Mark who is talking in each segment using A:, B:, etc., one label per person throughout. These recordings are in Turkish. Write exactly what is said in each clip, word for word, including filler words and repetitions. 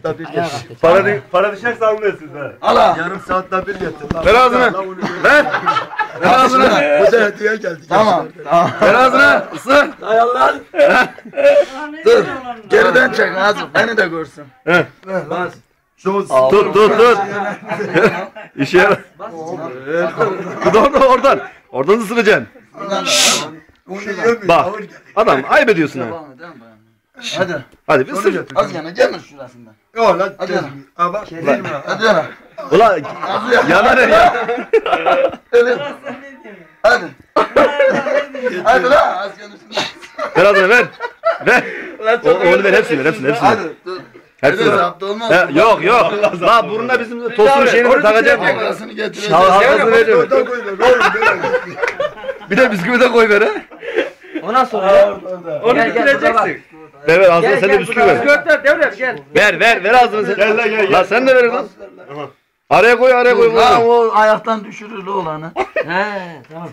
A: saatte bir getir.
B: Para, para düşerse almıyorsunuz ha.
A: Ala. Yarım saatte bir getir.
B: Ver ağzını. Ver. Ver ağzını.
A: Bu da hediye geldi.
C: Tamam. Tamam.
B: Ver ağzını. Isır.
C: Hay Allah. Dur. Geriden çek Nazım. Beni de görsün.
B: He.
A: Bas. Şu
B: Tut tut tut. İşe yarar. Dur orada oradan. Oradan ısıracaksın.
A: Onu yemiyor.
B: Bak. Adam ayıp ediyorsun ha.
C: Devam edelim bayan. Hadi.
B: Hadi bir ısır.
C: Az yana gelme şurasından.
A: Yok lan.
C: Hadi yana.
A: Ama
C: Hadi yana.
B: Ulan yanar ya.
C: Öyle. Hadi. Hadi lan az yana şundan.
B: Ver ağzını ver. Ver. O, onu ver hepsini ver hepsini hepsini.
C: Hadi. Dur.
B: Hepsini ver.
C: Zaptı olmaz.
B: He, yok yok. La burnuna bizim tosun şeyini takacağım.
C: Halkasını getireceğiz.
B: Hal- Halkasını vereceğim.
A: orada koyuyor. Oğlum böyle.
B: Bir de bisküvi de koy ver ha.
D: Ondan sonra ya. Onu
E: Gel, gel,
D: bitireceksin.
B: Ver ver ağzına sen de bisküvi ver.
D: Götür devlet gel.
B: Ver ver ver ağzını sen.
A: Gel lan, gel, gel.
B: La sen de ver lan. Araya koy araya koy.
C: Ha
B: koy.
C: o ayaktan düşürür olanı.
D: He tamam.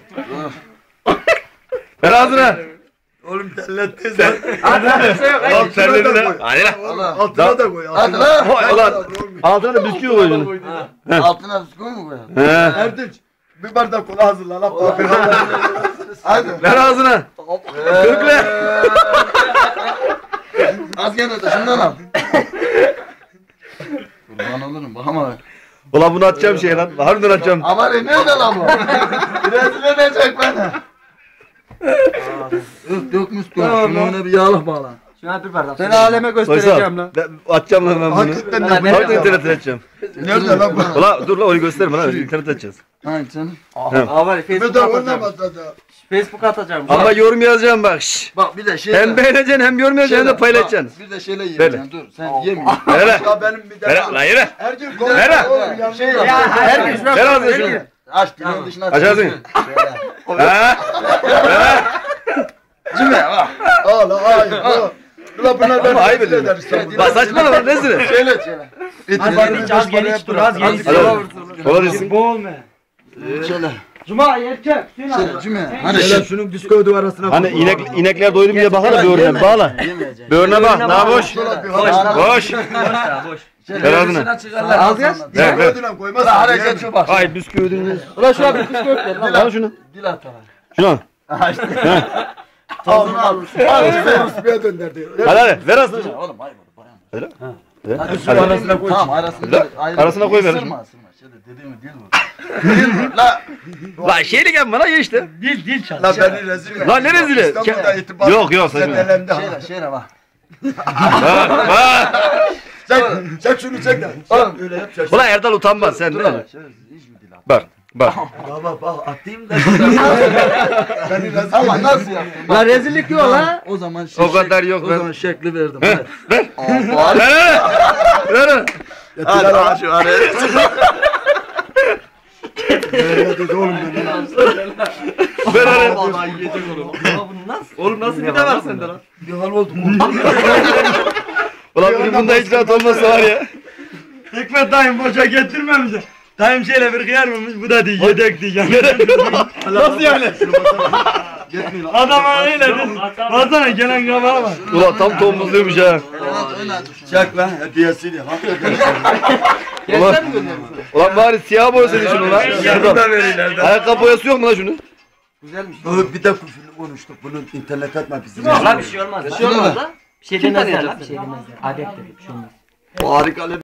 B: Ver ağzına.
A: Oğlum terlettin sen.
D: Hadi bir şey yok.
B: Al terledin ha. Hadi lan.
C: Allah.
A: Altına da koy.
C: Hadi
A: altına.
C: lan.
B: Ho- Ulan altına da bisküvi koy şunu.
C: Altına bisküvi mi koyalım?
B: He.
A: Erdinç. Bir bardak kola hazırla lan.
C: Hadi.
B: Ver ağzına. Kökle.
C: Az gene de şundan al. Kurban olurum bak ama.
B: Ulan bunu atacağım şey lan. Harbiden atacağım.
C: Ama nerede lan bu? Rezil edecek beni. Yok dökmüş dur. Şuna bir yağlık bağla.
D: Şuna bir bardak.
E: Seni aleme göstereceğim lan.
B: Ben atacağım lan ben bunu.
A: Hakikaten
D: Ben-
A: de
D: ben-
B: Harbiden internete atacağım.
A: Nerede lan bu?
B: Ulan dur lan onu gösterme lan. İnternete atacağız.
C: Hayır canım.
D: Aa var ya,
A: Bir
D: Facebook
A: de
D: atacağım.
A: oynamaz da.
D: Facebook atacağım.
B: Ama yorum yazacağım bak. Şşş.
C: Bak bir de şey.
B: Hem beğeneceksin hem yorum yazacaksın hem de paylaşacaksın.
C: Bir de şeyle yiyeceksin dur. Sen yemiyorsun.
B: Ver lan.
A: Ya benim bir
B: Ver
A: de.
B: lan yürü.
A: Ergün
C: Ver
A: kola.
B: lan.
A: Oğlum ya.
C: Şey
D: Ya
C: yap.
D: her gün şuna
B: Ver ağzını şunu.
C: Aç dilin dışına.
B: Aç ağzını.
C: Şöyle.
B: Ha?
C: Cime bak.
A: Al ay. Ulan bunlar ben
B: Ama ayıp
A: rezil
B: ediyorsun.
A: ederiz sen bunu.
B: Bak saçmalama nesine?
C: Şöyle şöyle.
A: İtibarını
D: Hiç az gel hiç dur az gel.
B: Hadi. Kola desin.
D: Boğulma.
C: Şöyle.
D: Cuma erkek. Hüseyin abi.
C: Şöyle cime. Hani
A: Hele
C: şey.
A: şunun bisküvi arasına
B: Hani inek, inekler doydu mu diye bakar böğrüne. Bağla.
C: Yemeyeceksin.
B: Böğrüne bak. Daha boş.
C: Boş.
B: Boş.
D: Boş ya boş.
B: Ver ağzına.
D: Az gel.
B: Ver ver.
A: Koydulan koymaz.
C: Ulan hareket şu bak.
B: Ay bisküvi ödülünüz.
D: Ulan şuna bir kız göster lan.
B: Al şunu.
C: Dil at bana.
B: Şunu al.
C: Tozunu al.
A: Bisküviye döndürdü.
B: Hadi hadi. Ver ağzına.
C: Oğlum ayıp olur. Bayan.
B: Öyle.
C: Hadi
B: Hadi.
C: arasına koy. Tamam arasına. ayrı-
B: Arasına koy ver.
C: Isırma ısırma. Şöyle dediğimi dil vur. Dil vur. La.
B: Lan şeyle gel bana ye işte.
D: Dil dil çal.
A: Lan beni rezil et.
B: Lan ne rezili?
A: İstanbul'da itibar.
B: Yok yok saçma.
A: Zedelendi ha.
C: Şöyle şöyle bak.
B: Bak bak.
A: Çek, çek şunu çek de.
C: Oğlum.
A: Öyle yap çek.
B: Ulan Erdal utanmaz sen
C: Dur
B: değil
C: hele,
B: mi?
C: şöyle hiç mi dil at?
B: Bak bak.
A: Baba bak atayım da. Beni rezil
C: Ama
A: et.
C: nasıl yaptın? Bak.
D: La rezillik yok la.
C: O zaman şey,
B: O kadar yok
C: O
B: ben.
C: zaman şekli verdim.
B: He,
C: Hadi.
B: ver.
C: Aa,
B: Ver ver. Ver.
C: Hadi al şu araya.
A: Dedi oğlum beni.
B: Ver ver.
C: Vallahi yiyecek oğlum.
D: Oğlum nasıl bir de var sende lan?
C: Bir hal oldu.
B: Ulan bunun bunda hiç rahat olmasa var ya.
E: Hikmet dayım boşa getirmemiş. Dayım şöyle bir kıyar mıymış? Bu da değil yedek diyeceğim. Nasıl yani? Adam öyle dedi. Baksana gelen kabağa bak.
B: Ulan tam tombuzluymuş ha.
A: Çek lan hediyesini. Hakikaten.
B: Ulan, ulan bari siyah boyasaydın şunu lan. Şuradan. Ayakkabı boyası yok mu lan şunu?
A: Bir de küfürlü konuştuk. Bunun internet etme bizim.
D: La bir şey olmaz. Bir şey olmaz la. Bir şey demezler la. Bir şey demezler. Adettir. Bir şey olmaz.
C: Harika.